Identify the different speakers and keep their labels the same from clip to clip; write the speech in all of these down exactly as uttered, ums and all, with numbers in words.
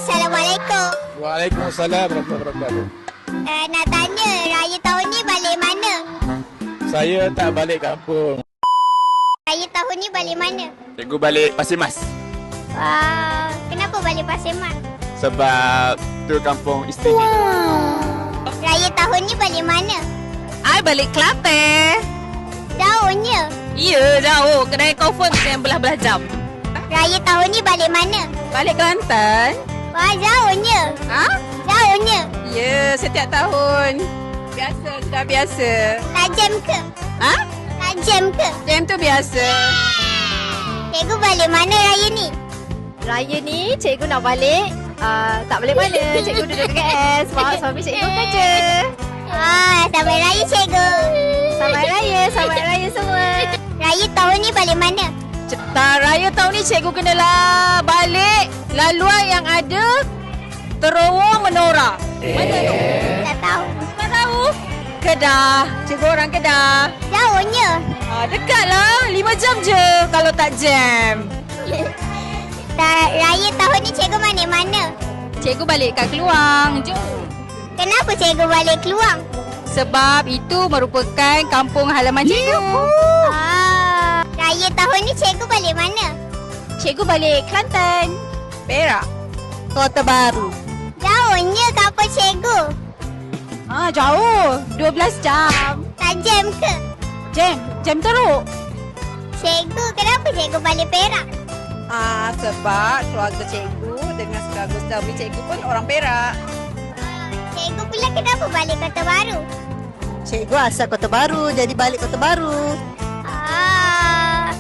Speaker 1: Assalamualaikum.
Speaker 2: Waalaikumsalam warahmatullahi wabarakatuh.
Speaker 1: Uh, nak tanya, raya tahun ni balik mana?
Speaker 2: Saya tak balik kampung.
Speaker 1: Raya tahun ni balik mana?
Speaker 2: Cikgu balik Pasir Mas.
Speaker 1: Wah, kenapa balik Pasir Mat?
Speaker 2: Sebab tu kampung isteri.
Speaker 1: Raya tahun ni balik mana?
Speaker 3: I balik Kelantan.
Speaker 1: Jauhnya.
Speaker 3: Ya, jauh. Kedai confirm yang belah-belah jam.
Speaker 1: Raya tahun ni balik mana?
Speaker 3: Balik Kelantan.
Speaker 1: Wah, jauhnya.
Speaker 3: Ha?
Speaker 1: Jauhnya.
Speaker 3: Ya, setiap tahun. Biasa, sudah biasa.
Speaker 1: Tak jam ke?
Speaker 3: Ha?
Speaker 1: Tak jam ke?
Speaker 3: Jam tu biasa.
Speaker 1: Cikgu balik mana raya ni?
Speaker 4: Raya ni cikgu nak balik uh, tak boleh mana. Cikgu duduk K S sebab suami cikgu kerja.
Speaker 1: Ah, selamat raya cikgu.
Speaker 4: Selamat raya, selamat raya semua.
Speaker 1: Raya tahun ni balik mana?
Speaker 3: Tak, raya tahun ni cikgu kenalah balik laluan yang ada terowong menora. Mana tu?
Speaker 1: Tak tahu.
Speaker 3: Tak tahu. Kedah. Cikgu orang Kedah.
Speaker 1: Jauhnya.
Speaker 3: Ah, dekat lah. lima jam je kalau tak jam.
Speaker 1: Tak, raya tahun ni cikgu mana mana?
Speaker 3: Cikgu balik kat Keluang. Jom.
Speaker 1: Kenapa cikgu balik Keluang?
Speaker 3: Sebab itu merupakan kampung halaman cikgu.
Speaker 1: Ah, raya tahun ni cikgu balik mana?
Speaker 3: Cikgu balik Kelantan. Perak.
Speaker 4: Kota Baru.
Speaker 1: Jauhnya kapal cikgu.
Speaker 3: Ah, jauh. dua belas jam.
Speaker 1: Tak jam ke?
Speaker 3: Jam. Jam teruk.
Speaker 1: Cikgu, kenapa cikgu balik Perak?
Speaker 3: Ah, sebab keluarga cikgu dengan keluarga suami cikgu pun orang Perak.
Speaker 1: Ah, cikgu pula kenapa balik Kota Baru?
Speaker 4: Cikgu asal Kota Baru, jadi balik Kota Baru.
Speaker 1: Ah,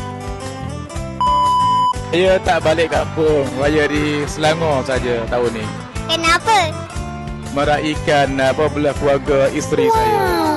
Speaker 2: Saya tak balik kampung. Raya di Selangor saja tahun ni.
Speaker 1: kenapa?
Speaker 2: Meraihkan apa belah keluarga isteri saya.